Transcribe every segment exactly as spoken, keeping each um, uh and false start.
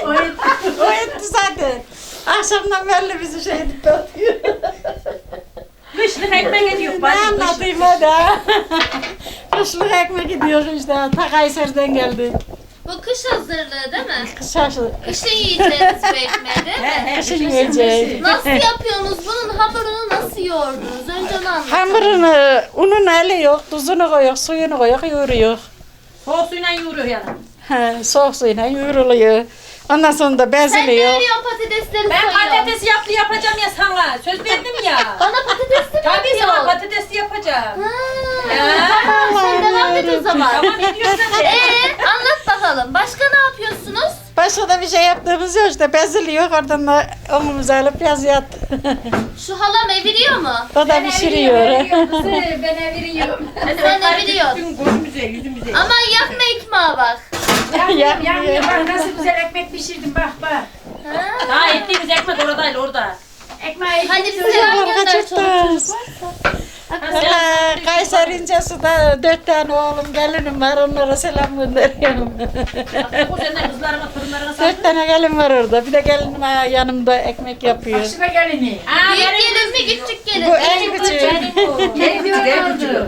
O etti, o etti zaten. Akşamdan belli bizi şey edip atıyor. Kışlık ekmek ediyor. Ne anlatayım hadi ha. Kışlık ekmek gidiyor işte. Ta Kayseri'den geldi. Bu kış hazırlığı değil mi? Kış aşı. Kışın yiyeceğiniz bu ekmeği değil mi? Kışın yiyeceğiz. Nasıl yapıyorsunuz? Bunun hamurunu nasıl yoğurdunuz? Önce onu anlatın. Hamurunu, unun eli yok, tuzunu koyuyor, suyunu koyuyor, yoğuruyor. Soğuk suyla yoğuruyor yani. He, soğuk suyla yoğruluyor. Ondan sonra da Sen ne beziliyor. veriyorsun patatesleri Ben soyuyorsun? patatesi yaptı yapacağım ya sana. Söz verdim ya. Bana patatesli mi Tabii sana yapıyorsun? patatesi yapacağım. Ha, tamam, sen devam et o zaman. Tamam ediyorsan de. Ee, anlat bakalım. Başka ne yapıyorsunuz? Başka da bir şey yaptığımız yok işte beziliyor. Oradan da omumuzu alıp yazıyor. Şu halam eviriyor mu? O da pişiriyor. Ben eviriyorum. Sen eviriyorsun. Gözümüze, yüzümüze. Ama yakma ekmeğe bak. Yanmıyor, yanmıyor. Bak nasıl güzel ekmek pişirdim bak bak. Ha. Daha ettiğimiz ekmek oradaydı orada. Ekmeği Hadi bize selam gönder çoluk çocuk. Valla Kayseri İncesu'da dört tane oğlum gelinim var. Onlara selam gönderiyorum. O senden kızlarıma, torunlarına sağlık. Dört tane gelin var orada. Bir de gelinim ha, yanımda ekmek yapıyor. Başına gelini. Aa, Büyük benim gelin mi küçük gelin Bu mi? en küçüğü. Ne diyorlardı?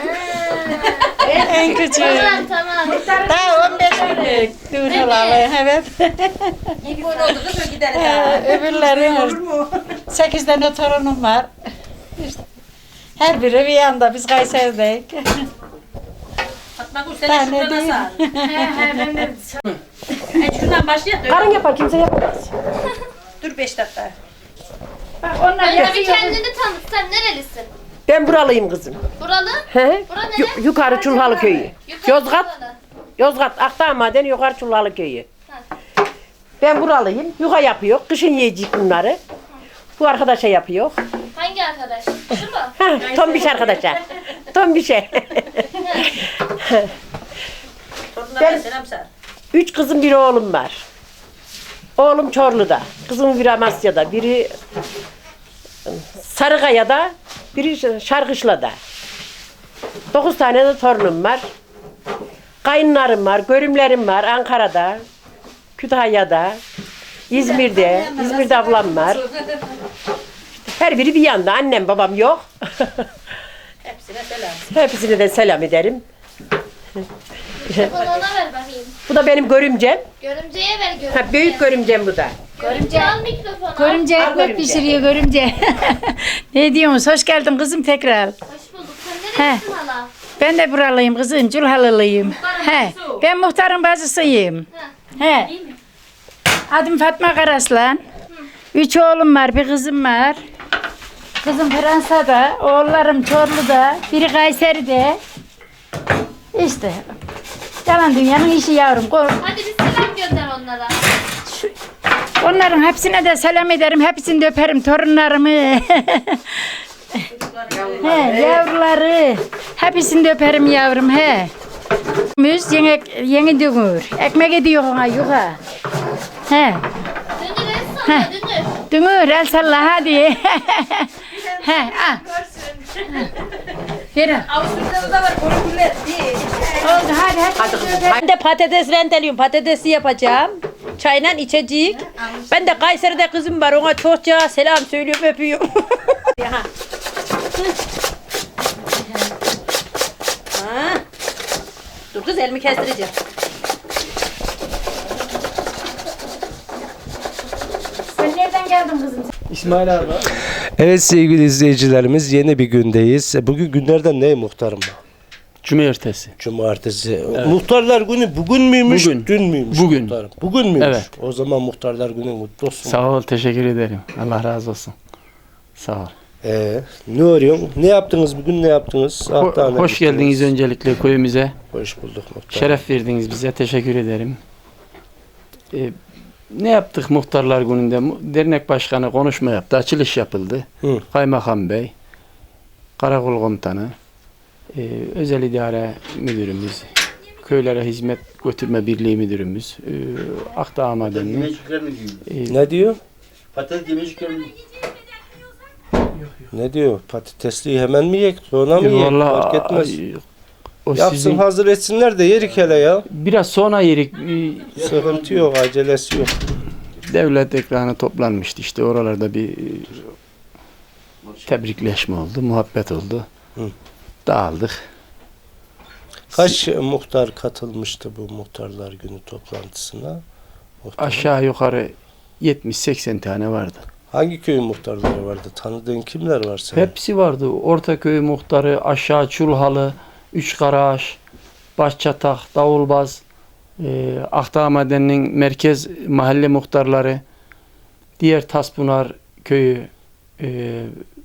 En küçüğü. Tamam tamam. Daha on beş günlük düğün olalı. Evet. İlk gün oldu kız o gider Ee, daha. Öbürleri sekiz tane torunum var. İşte her biri bir yanda. Biz Kayseri'deyiz. Fatma Gül Ben seni ne şurada diyeyim? sar. He he ben de. E şuradan başlayalım. Karın yapar kimse yapamaz. Dur beş dakika. Bak onlar Önce bir yapıyor. kendini tanıt. Sen nerelisin? Ben buralıyım kızım. Buralı? He? Bura nere? Yu- yukarı Çulhalı köyü. Yukarı Yozgat, buralı. Yozgat Akdağ Maden yukarı Çulhalı köyü. Ha. Ben buralıyım. Yuka yapıyor. Kışın yiyecek bunları. Bu arkadaşa yapıyor. Hangi arkadaş? Şu mu? Ha, tombiş arkadaşa. Tombişe. Torunlarına selam sar. Üç kızım bir oğlum var. Oğlum Çorlu'da. Kızım biri Amasya'da. Biri Sarıkaya'da. Biri Şarkışla'da. Dokuz tane de torunum var. Kayınlarım var, görümlerim var Ankara'da, Kütahya'da, İzmir'de, İzmir'de ablam var. Her biri bir yanda, annem babam yok. Hepsine selam. Hepsine de selam ederim. Telefonu ona ver bakayım. Bu da benim görümcem. Görümceye ver görümceye. Ha, büyük görümcem bu da. Görümce al mikrofonu. Görümce Al ekmek görümce. pişiriyor görümce. Ne diyorsunuz? Hoş geldin kızım tekrar. Hoş bulduk. Sen nerelisin hala? Ben de buralıyım kızım, Culhalılıyım. He, ben muhtarın bacısıyım. He. Adım Fatma Karaslan. Üç oğlum var, bir kızım var. Kızım Fransa'da, oğullarım Çorlu'da, biri Kayseri'de. İşte. Yalan dünyanın işi yavrum. Ko- Hadi bir selam gönder onlara. Onların hepsine de selam ederim. Hepsini de öperim. Torunlarımı. He, yavruları. Hepsini de öperim yavrum. He. Müz yeni, yeni dünür. Ekmek ediyor ona yuka. He. Dünür el salla dünür. Dünür el salla hadi. He. Ah. Verin. Avusturya'da da var korkuller. Oldu hadi hadi. Ben de patates rendeliyorum. Patatesi yapacağım. Çayla içecek. Ben de Kayseri'de kızım var. Ona çokça selam söylüyorum, öpüyorum. Ha. Dur kız elimi kestireceğim. Sen nereden geldin kızım? İsmail abi. Evet sevgili izleyicilerimiz yeni bir gündeyiz. E, Bugün günlerden ne muhtarım? Cumartesi. Cumartesi. Muhtarlar günü bugün müymüş, Bugün. dün müymüş Bugün. muhtarım? Bugün müymüş? Evet. O zaman muhtarlar günü mutlu olsun. Sağ ol, teşekkür ederim. Allah razı olsun. Sağ ol. Ee, ne arıyorsun? Ne yaptınız bugün, ne yaptınız? Ho- Hatta ne hoş bittiniz? geldiniz öncelikle köyümüze. Hoş bulduk muhtar. Şeref verdiniz bize. Teşekkür ederim. Ee, ne yaptık muhtarlar gününde? Mu- Dernek başkanı konuşma yaptı. Açılış yapıldı. Hı. Kaymakam Bey, Karakol Komutanı, e, Özel İdare Müdürümüz, Köylere Hizmet Götürme Birliği Müdürümüz, e, Akdağ Madenli. Yemecikler mi diyor? e, Ne diyor? Patates yemecikler mi? Ne diyor? Patatesliği hemen mi yek? Sonra mı yek? Vallahi Fark etmez. ay, O Yapsın sizin hazır etsinler de yerik hele ya. biraz sonra yerik e, Sıkıntı yok, acelesi yok. devlet ekranı toplanmıştı işte oralarda bir e, tebrikleşme oldu, muhabbet oldu. Hı. Dağıldık. Kaç muhtar katılmıştı bu muhtarlar günü toplantısına? Muhtarın. Aşağı yukarı yetmiş seksen tane vardı. Hangi köyün muhtarları vardı? Tanıdığın kimler var senin? Hepsi vardı. Ortaköy muhtarı, aşağı Çulhalı, Üçkaraş, Başçatak, Davulbaz, e, Akdağ Madenni'nin merkez mahalle muhtarları, diğer Taspınar köyü, e,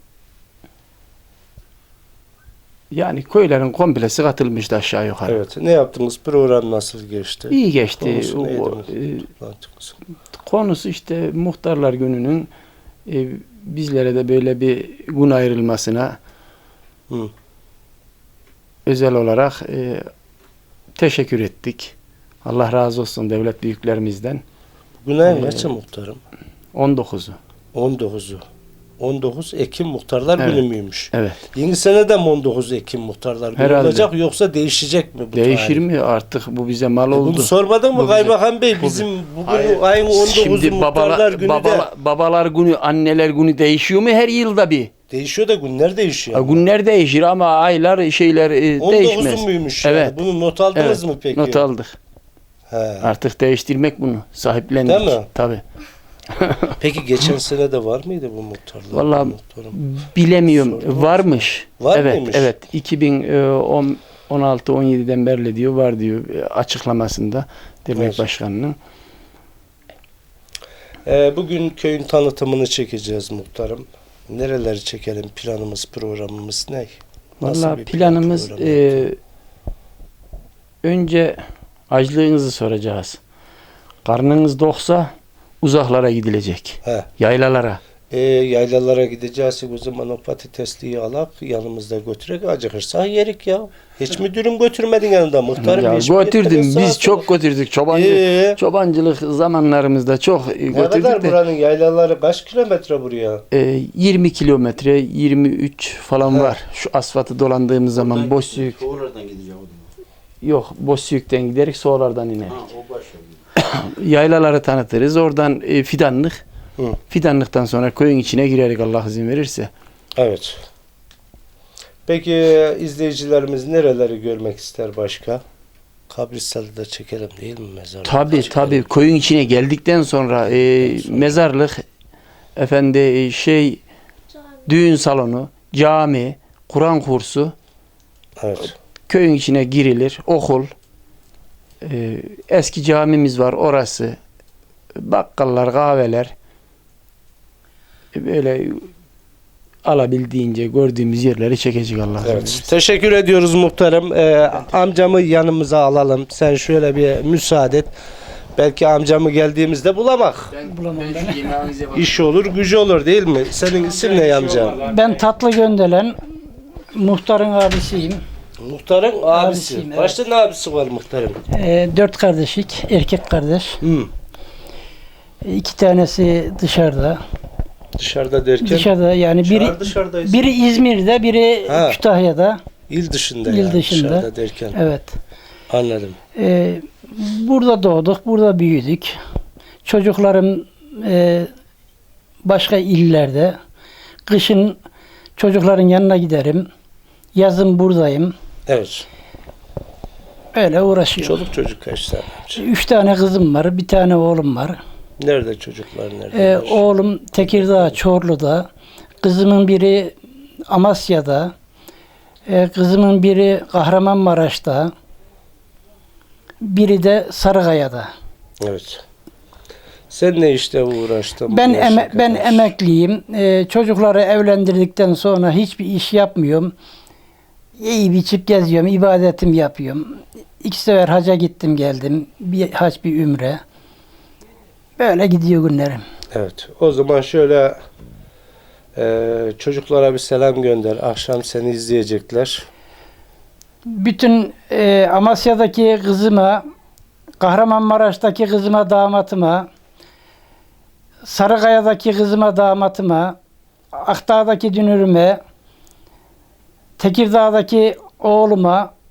yani köylerin komplesi katılmıştı aşağı yukarı. Evet. Ne yaptınız? Program nasıl geçti? İyi geçti. Konusu neydi O- bu e, toplantımızın? Konusu işte muhtarlar gününün e, bizlere de böyle bir gün ayrılmasına Hı. özel olarak e, teşekkür ettik. Allah razı olsun devlet büyüklerimizden. Bugün ayın Ee, kaçı muhtarım? on dokuzu. on dokuzu. on dokuz Ekim muhtarlar Evet. günü müymüş? Evet. Yeni sene de mi on dokuz Ekim muhtarlar günü Herhalde. olacak yoksa değişecek mi bu Değişir tarih? mi artık bu bize mal E oldu. Bunu sormadın mı Bu bize- Kaymakam Bey? bu- Bizim bugün Hayır. ayın on dokuzu Şimdi muhtarlar babalar, günü de babala- babalar günü, anneler günü değişiyor mu her yılda bir? değişiyor da günler değişiyor. Ha, günler değişir ama aylar şeyler e, on değişmez. dokuzu muymuş Evet. yani? Bunu not aldınız Evet, mı peki? not aldık. He. Artık değiştirmek bunu. Sahiplendik. Değil mi? Tabii. Peki geçen sene de var mıydı bu muhtarlar? Vallahi Muhtarım. bilemiyorum. Sorun Varmış. Var evet, mıymış? evet. iki bin on altı on yediden beri diyor var diyor e, açıklamasında dernek Evet. başkanının. Ee, bugün köyün tanıtımını çekeceğiz muhtarım. Nereleri çekelim? Planımız, programımız ne? Nasıl Vallahi bir plan, planımız program e, yapalım? önce açlığınızı soracağız. Karnınız doksa uzaklara gidilecek. He. Yaylalara. E, yaylalara gideceğiz. O zaman o patatesliği alak yanımızda götürek acıkırsa yerik ya. Hiç mi dürüm götürmedin yanında muhtarım? Ya Hiç mi götürdüm. gitmedin sağa Biz sola? çok götürdük. Çobancı, Ee? çobancılık zamanlarımızda çok e, Ne kadar götürdük de. buranın yaylaları kaç kilometre buraya? E, yirmi kilometre, yirmi üç falan He. var. Şu asfaltı dolandığımız zaman Bozüyük. Oradan gideceğim o zaman. Yok, Bozüyük'ten giderek Soğlar'dan inerik. Ha, o başlıyor. Yaylaları tanıtırız. Oradan e, fidanlık. Hı. Fidanlıktan sonra köyün içine girerek Allah izin verirse. Evet. Peki izleyicilerimiz nereleri görmek ister başka? Kabristalı da çekelim değil mi mezarlığı? Tabii Çekelim. tabii köyün içine geldikten sonra e, mezarlık, efendi e, şey, düğün salonu, cami, Kur'an kursu, Evet. köyün içine girilir, okul, e, eski camimiz var orası, bakkallar, kahveler, e, böyle alabildiğince gördüğümüz yerleri çekecek Allah. izin Evet. verirse. Teşekkür ediyoruz muhtarım. Ee, amcamı yanımıza alalım. Sen şöyle bir müsaade et. Belki amcamı geldiğimizde bulamak. İş olur, gücü olur değil mi? Senin isim ne amcam? Ben Tatlı Göndelen, muhtarın abisiyim. Muhtarın abisi. Abisiyim, evet. Başta ne abisi var muhtarım? Ee, dört kardeşlik, erkek kardeş. Hı. İki tanesi dışarıda. Dışarıda derken? Dışarıda yani biri Dışarı dışarıdayız. biri İzmir'de, biri Ha. Kütahya'da. İl dışında İl yani. dışında. Dışarıda derken. Evet. Anladım. Ee, burada doğduk, burada büyüdük. Çocuklarım e, başka illerde. Kışın çocukların yanına giderim. Yazın buradayım. Evet. Öyle uğraşıyorum. Çoluk çocuk kaç tane amca? Üç tane kızım var, bir tane oğlum var. Nerede çocuklar nerede? Ee, oğlum Tekirdağ, Çorlu'da. Kızımın biri Amasya'da. Ee, kızımın biri Kahramanmaraş'ta. Biri de Sarıkaya'da. Evet. Sen ne işte uğraştın? Ben bu yaşa eme- ben kadar? emekliyim. Ee, çocukları evlendirdikten sonra hiçbir iş yapmıyorum. Yiyip içip geziyorum, ibadetimi yapıyorum. İki sefer haca gittim geldim. Bir hac bir ümre. Böyle gidiyor günlerim. Evet. O zaman şöyle e, çocuklara bir selam gönder. Akşam seni izleyecekler. Bütün e, Amasya'daki kızıma, Kahramanmaraş'taki kızıma, damatıma, Sarıkaya'daki kızıma, damatıma, Akdağ'daki dünürüme, Tekirdağ'daki oğluma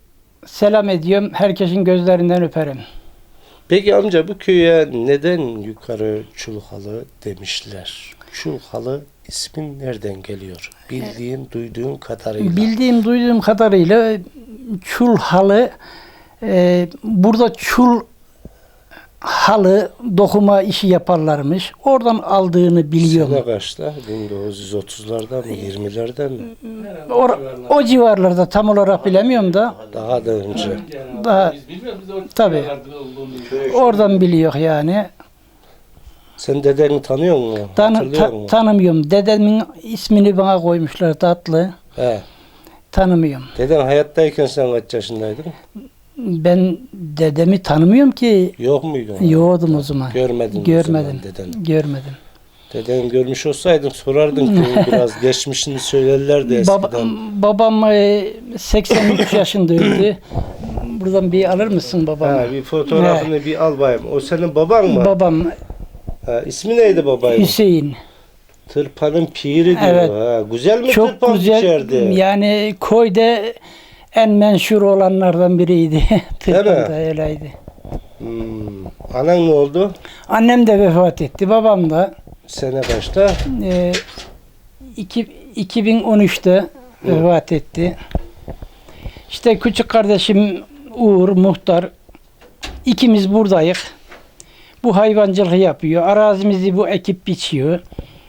selam ediyorum. Herkesin gözlerinden öperim. Peki amca bu köye neden yukarı Çulhalı demişler? Çulhalı ismin nereden geliyor? Bildiğin, duyduğun kadarıyla. Bildiğim, duyduğum kadarıyla çul halı, e, burada çul halı dokuma işi yaparlarmış. Oradan aldığını biliyorum. Sene kaçta? bin dokuz yüz otuzlardan mı? yirmilerden mi? O, o civarlarda tam olarak bilemiyorum da Daha da önce. daha tabii oradan biliyor yani. Sen dedeni tanıyor musun? Tan Hatırlıyor ta- musun? tanımıyorum. Dedemin ismini bana koymuşlar tatlı. He. Tanımıyorum. Deden hayattayken sen kaç yaşındaydın? Ben dedemi tanımıyorum ki. Yok muydun? Yoğdum o zaman. Görmedin Görmedim. o zaman deden. Görmedim. Deden görmüş olsaydın sorardın köyün biraz geçmişini söylerlerdi eskiden. Baba, babam e, seksen üç yaşında öldü. Buradan bir alır mısın babamı? Ha, bir fotoğrafını bir al bayım. O senin baban mı? Babam Ha, ismi neydi babayın? Hüseyin. Tırpanın piri diyor. Evet. Ha, güzel mi Çok tırpan güzel. biçerdi? Yani koyda en menşur olanlardan biriydi. Tırpan da öyleydi. Hmm. Anan ne oldu? Annem de vefat etti. Babam da Sene kaçta? e, iki- iki bin on üçte vefat etti. İşte küçük kardeşim Uğur muhtar. İkimiz buradayız. Bu hayvancılığı yapıyor. Arazimizi bu ekip biçiyor.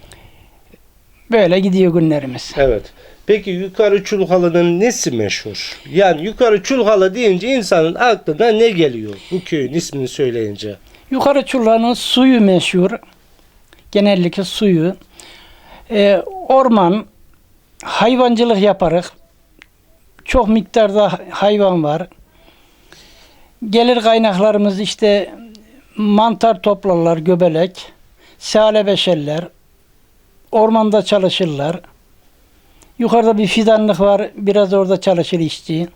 Böyle gidiyor günlerimiz. Evet. Peki yukarı Çulhalı'nın nesi meşhur? Yani yukarı Çulhalı deyince insanın aklına ne geliyor? Bu köyün ismini söyleyince. Yukarı Çulha'nın suyu meşhur. Genellikle suyu. Ee, orman, hayvancılık yaparız. Çok miktarda hayvan var. Gelir kaynaklarımız işte mantar toplarlar, göbelek, sale beşerler, ormanda çalışırlar. Yukarıda bir fidanlık var, biraz orada çalışır işçi.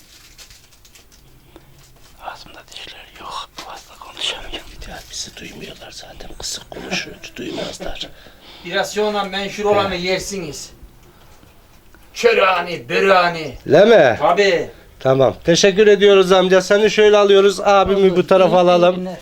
Ağzımda dişler yok, fazla konuşamıyorum. Ya bizi duymuyorlar zaten. Kısık konuşuyoruz, duymazlar. Biraz sonra menşur olanı yersiniz. Çörani, börani. Leme. Tabii. Tamam. Teşekkür ediyoruz amca. Seni şöyle alıyoruz. Abimi bu tarafa alalım.